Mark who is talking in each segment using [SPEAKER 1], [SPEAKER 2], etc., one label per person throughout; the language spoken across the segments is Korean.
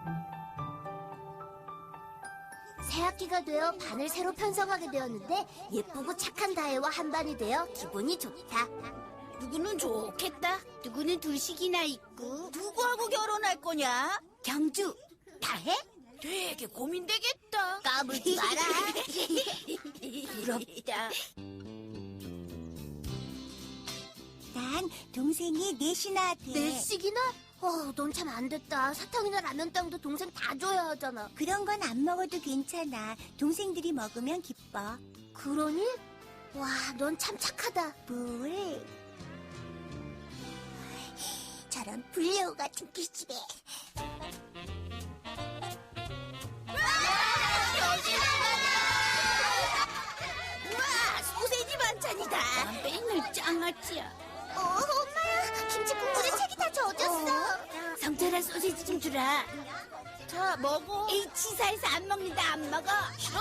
[SPEAKER 1] 새학기가 되어 반을 새로 편성하게 되었는데 예쁘고 착한 다혜와 한반이 되어 기분이 좋다.
[SPEAKER 2] 누구는 좋겠다. 누구는 둘씩이나 있고.
[SPEAKER 3] 누구하고 결혼할 거냐?
[SPEAKER 1] 경주, 다혜?
[SPEAKER 3] 되게 고민되겠다.
[SPEAKER 1] 까불지 마라.
[SPEAKER 3] 부럽다.
[SPEAKER 4] 난 동생이 넷이나 돼.
[SPEAKER 1] 넷씩이나? 넌 참 안 됐다. 사탕이나 라면 땅도 동생 다 줘야 하잖아.
[SPEAKER 4] 그런 건 안 먹어도 괜찮아. 동생들이 먹으면 기뻐.
[SPEAKER 1] 그러니? 와, 넌 참 착하다.
[SPEAKER 4] 뭘? 저런 불레오 같은 기집애.
[SPEAKER 3] 우와, 소세지 반찬이다.
[SPEAKER 2] 맨날 짱아찌야.
[SPEAKER 1] 엄마야, 김치 국물에 책이 다 젖었어.
[SPEAKER 2] 성철아, 소시지 좀 주라.
[SPEAKER 3] 자, 먹어.
[SPEAKER 2] 에이, 치사해서 안 먹는다. 안 먹어.
[SPEAKER 3] 싫어?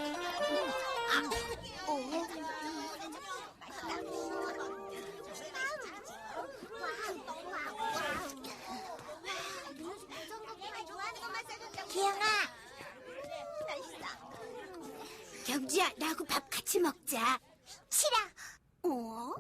[SPEAKER 4] 기영아,
[SPEAKER 2] 경주야, 나하고 밥 같이 먹자.
[SPEAKER 4] 싫어.
[SPEAKER 2] 어?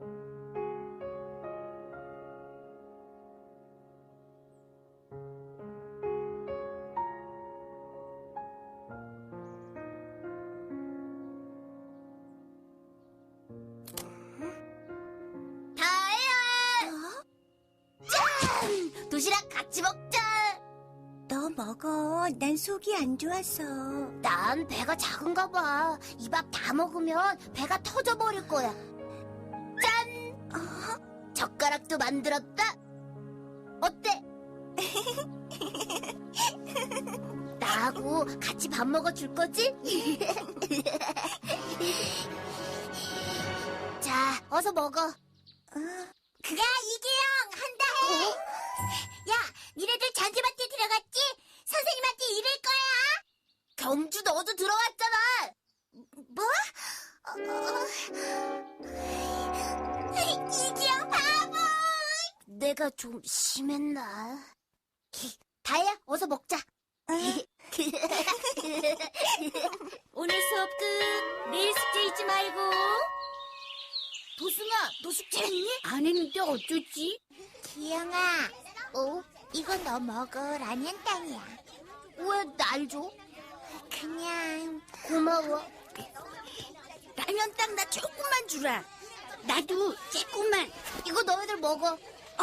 [SPEAKER 1] 다혜야! 짠! 도시락 같이 먹자.
[SPEAKER 4] 너 먹어. 난 속이 안 좋아서.
[SPEAKER 1] 난 배가 작은가 봐. 이 밥 다 먹으면 배가 터져버릴 거야. 짠! 젓가락도 만들었다. 어때? 나하고 같이 밥 먹어줄 거지? 자, 어서 먹어.
[SPEAKER 4] 그가 이기영 한다 해. 야, 니네들 잔디밭에 들어갔지? 선생님한테 이럴 거야.
[SPEAKER 1] 경주 너도 들어왔잖아.
[SPEAKER 4] 뭐? 이기영 바보.
[SPEAKER 1] 내가 좀 심했나? 다혜야, 어서 먹자.
[SPEAKER 2] 오늘 수업 끝. 내일 숙제 잊지 말고.
[SPEAKER 3] 도승아, 너 숙제했니?
[SPEAKER 2] 안 했는데 어쩌지?
[SPEAKER 4] 기영아, 이거 너 먹어. 라면 땅이야.
[SPEAKER 1] 왜 날 줘?
[SPEAKER 4] 그냥
[SPEAKER 1] 고마워.
[SPEAKER 3] 라면 땅 나 조금만 주라.
[SPEAKER 2] 나도 조금만.
[SPEAKER 1] 이거 너희들 먹어.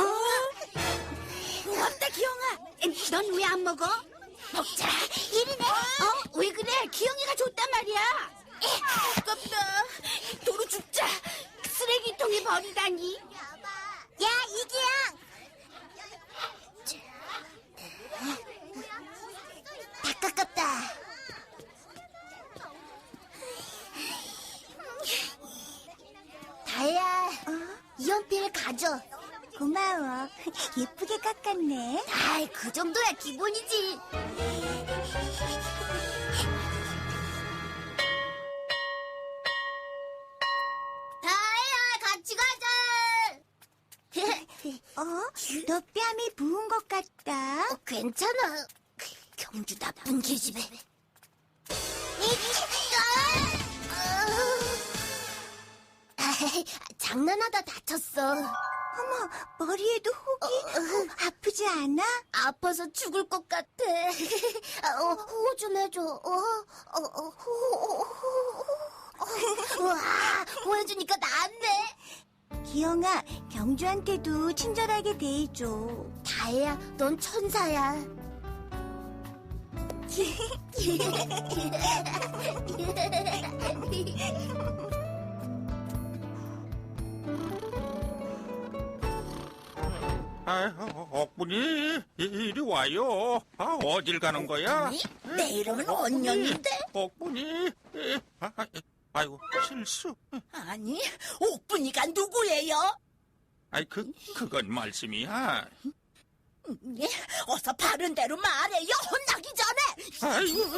[SPEAKER 3] 고맙다, 기영아.
[SPEAKER 2] 넌 왜 안 먹어?
[SPEAKER 3] 먹자.
[SPEAKER 2] 이리네. 왜 그래? 기영이가 줬단 말이야.
[SPEAKER 3] 아깝다. 도로 죽자.
[SPEAKER 2] 쓰레기통에 버리다니.
[SPEAKER 4] 야, 이기영.
[SPEAKER 1] 다 깎았다. 다혜야, 이 연필 가져.
[SPEAKER 4] 고마워. 예쁘게 깎았네.
[SPEAKER 1] 아이, 그 정도야 기본이지. 다혜야, 같이 가자.
[SPEAKER 4] 너 뺨이 부은 것 같다.
[SPEAKER 1] 괜찮아. 경주 나쁜 계집애. 장난하다 다쳤어.
[SPEAKER 4] 어머, 머리에도 혹이. 아프지 않아?
[SPEAKER 1] 아파서 죽을 것 같아. 호호 좀 해줘. 와, 호해주니까 나았네.
[SPEAKER 4] 기영아, 경주한테도 친절하게 대해줘.
[SPEAKER 1] 다혜야, 넌 천사야.
[SPEAKER 5] 억분이 이리 와요. 어딜 가는 거야?
[SPEAKER 3] 내 이름은 언년인데.
[SPEAKER 5] 억분이. 아이고, 실수.
[SPEAKER 3] 아니, 옥분이가 누구예요?
[SPEAKER 5] 그건 말씀이야.
[SPEAKER 3] 예, 어서 바른 대로 말해요. 혼나기 전에.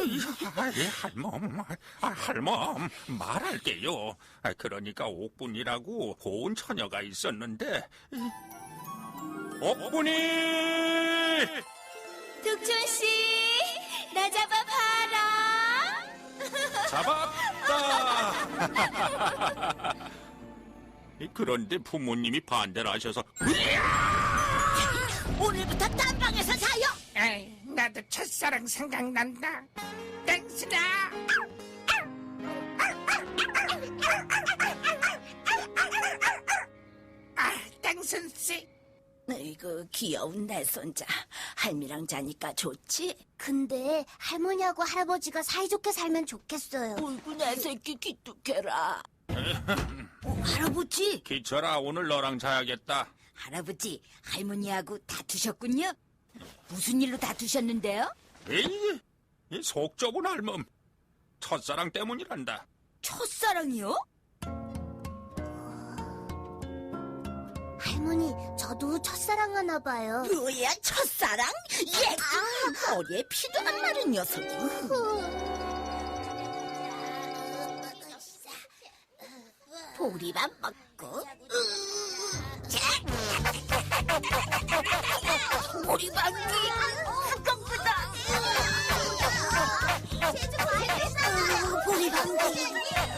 [SPEAKER 5] 할멈, 말할게요. 그러니까 옥분이라고 고운 처녀가 있었는데, 옥분이!
[SPEAKER 3] 득촌 씨, 나 잡아봐라.
[SPEAKER 5] 잡았다. 그런데 부모님이 반대를 하셔서
[SPEAKER 3] 오늘부터 딴방에서 자요.
[SPEAKER 6] 에이, 나도 첫사랑 생각난다. 땡스다. 땡슨 씨.
[SPEAKER 3] 이거 귀여운 내 손자. 할미랑 자니까 좋지?
[SPEAKER 1] 근데 할머니하고 할아버지가 사이좋게 살면 좋겠어요.
[SPEAKER 3] 어이구, 내 새끼 기특해라. 할아버지,
[SPEAKER 5] 기철아, 오늘 너랑 자야겠다.
[SPEAKER 3] 할아버지, 할머니하고 다투셨군요? 무슨 일로 다투셨는데요?
[SPEAKER 5] 에이, 이속 좁은 할멈. 첫사랑 때문이란다.
[SPEAKER 3] 첫사랑이요?
[SPEAKER 1] 할머니, 저도 첫사랑 하나 봐요.
[SPEAKER 3] 뭐야, 첫사랑? 예! 머리에 피도 안 마른 녀석이. 보리밥 먹고 보리밥이 아깝다. 보리밥이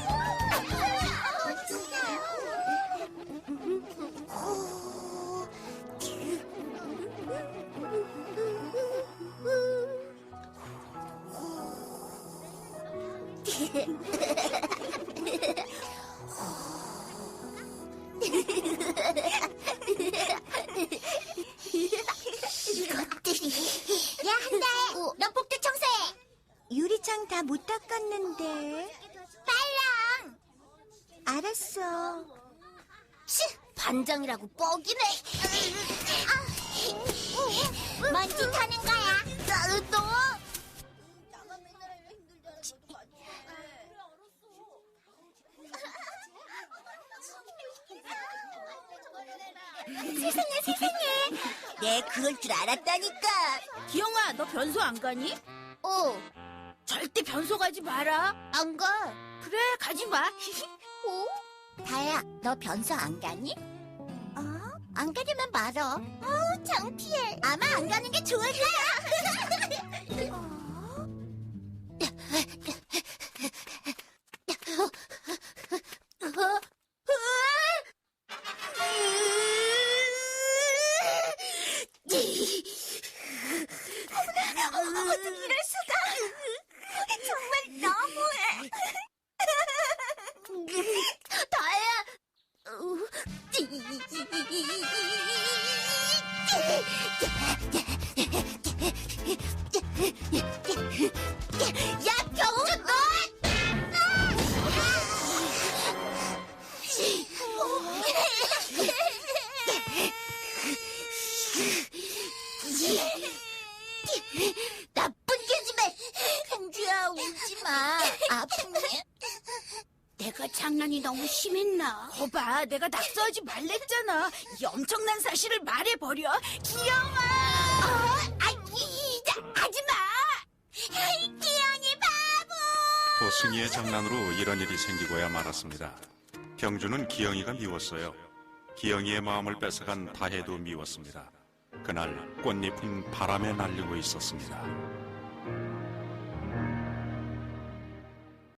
[SPEAKER 1] 이것들이. 야, 한달. 너 복도 청소해.
[SPEAKER 4] 유리창 다 못 닦았는데.
[SPEAKER 1] 빨랑.
[SPEAKER 4] 알았어.
[SPEAKER 1] 치, 반장이라고 뻑이네. 먼지 타는 거야. 너. 세상에.
[SPEAKER 4] 내 그럴 줄 알았다니까.
[SPEAKER 3] 기영아, 너 변소 안 가니? 절대 변소 가지 마라.
[SPEAKER 1] 안 가.
[SPEAKER 3] 그래, 가지 마.
[SPEAKER 1] 다혜야, 너 변소 안 가니? 안 가려면 말어. 창피해. 아마 안 가는 게 좋을 거야.
[SPEAKER 4] 어떻게 이럴 수가. 정말 너무해.
[SPEAKER 1] 다혜야. 야, 병준 너! 나쁜 개집애! 행주야, 울지 마. 아프니?
[SPEAKER 3] 내가 장난이 너무 심했나? 거봐, 내가 낙서하지 말랬잖아. 이 엄청난 사실을 말해버려. 기영아! 하지 마!
[SPEAKER 1] 기영이 바보!
[SPEAKER 7] 도승이의 장난으로 이런 일이 생기고야 말았습니다. 경주는 기영이가 미웠어요. 기영이의 마음을 뺏어간 다혜도 미웠습니다. 그날 꽃잎은 바람에 날리고 있었습니다.